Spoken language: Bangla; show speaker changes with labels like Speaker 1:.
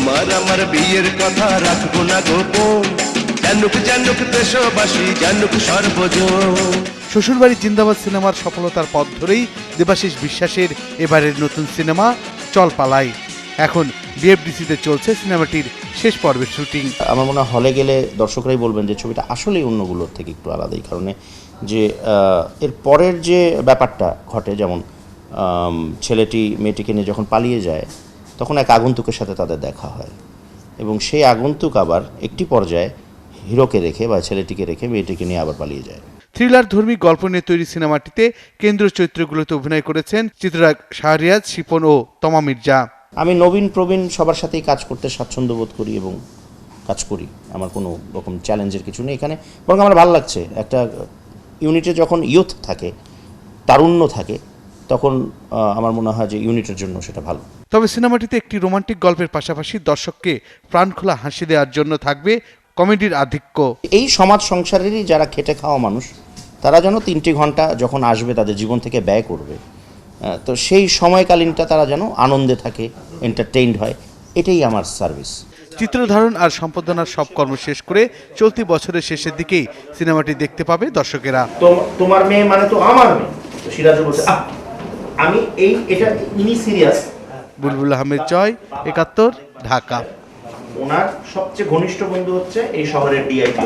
Speaker 1: তোমার আমার বিয়ের কথা রাখবো না গোপন, জানুক জানুক দেশবাসী, জানুক সর্বজন।
Speaker 2: শ্বশুরবাড়ি জিন্দাবাদ সিনেমার সফলতার পথ ধরেই দেবাশিস বিশ্বাসের এবারের নতুন সিনেমা চল পালাই। এখন বিএফডিসিতে চলছে সিনেমাটির শেষ পর্বের শুটিং।
Speaker 3: আমার মনে হয় হলে গেলে দর্শকরাই বলবেন যে ছবিটা আসলেই অন্যগুলোর থেকে একটু আলাদা, এই কারণে যে এর পরের যে ব্যাপারটা ঘটে, যেমন ছেলেটি মেয়েটিকে নিয়ে যখন পালিয়ে যায় তখন এক আগন্তুকের সাথে তাদের দেখা হয়, এবং সেই আগন্তুক আবার একটি পর্যায়ে হিরোকে রেখে বা ছেলেটিকে রেখে মেয়েটিকে নিয়ে আবার পালিয়ে যায়।
Speaker 2: থ্রিলার ধর্মী গল্প নিয়ে তৈরি সিনেমাটিতে কেন্দ্রীয় চরিত্রগুলোতে অভিনয় করেছেন চিত্রনায়ক শাহরিয়াজ, শিপন ও তমা মির্জা।
Speaker 3: আমি নবীন প্রবীণ সবার সাথেই কাজ করতে স্বাচ্ছন্দ্য বোধ করি এবং কাজ করি, আমার কোনো রকম চ্যালেঞ্জের কিছু নেই এখানে, বরং আমার ভালো লাগছে। একটা ইউনিটে যখন ইয়ুথ থাকে, তারুণ্য থাকে, তখন আমার মনে হয় যে ইউনিটের জন্য সেটা ভালো।
Speaker 2: তবে সিনেমাটিতে একটি রোমান্টিক গল্পের পাশাপাশি দর্শককে প্রাণখোলা হাসি দেওয়ার জন্য থাকবে কমেডির আধিক্য।
Speaker 3: এই সমাজ সংসারেরই যারা খেটে খাওয়া মানুষ, তারা যেন 3টি ঘন্টা যখন আসবে তাদের জীবন থেকে ব্যয় করবে, তো সেই সময়কালীনটা তারা যেন আনন্দে থাকে, এন্টারটেইনড হয়, এটাই আমার সার্ভিস।
Speaker 2: চিত্রধারণ আর সম্পাদনার সব কর্ম শেষ করে চলতি বছরের শেষের দিকেই সিনেমাটি দেখতে পাবে দর্শকেরা।
Speaker 3: তোমার মেয়ে মানে তো আমার মেয়ে, সিরাজ বলছে আমি এটা ইনি সিরিয়াস।
Speaker 2: বুলবুল আহমেদ জয়, ৭১, ঢাকা।
Speaker 3: ওনার সবচেয়ে ঘনিষ্ঠ বন্ধু হচ্ছে এই শহরের ডিআইপি।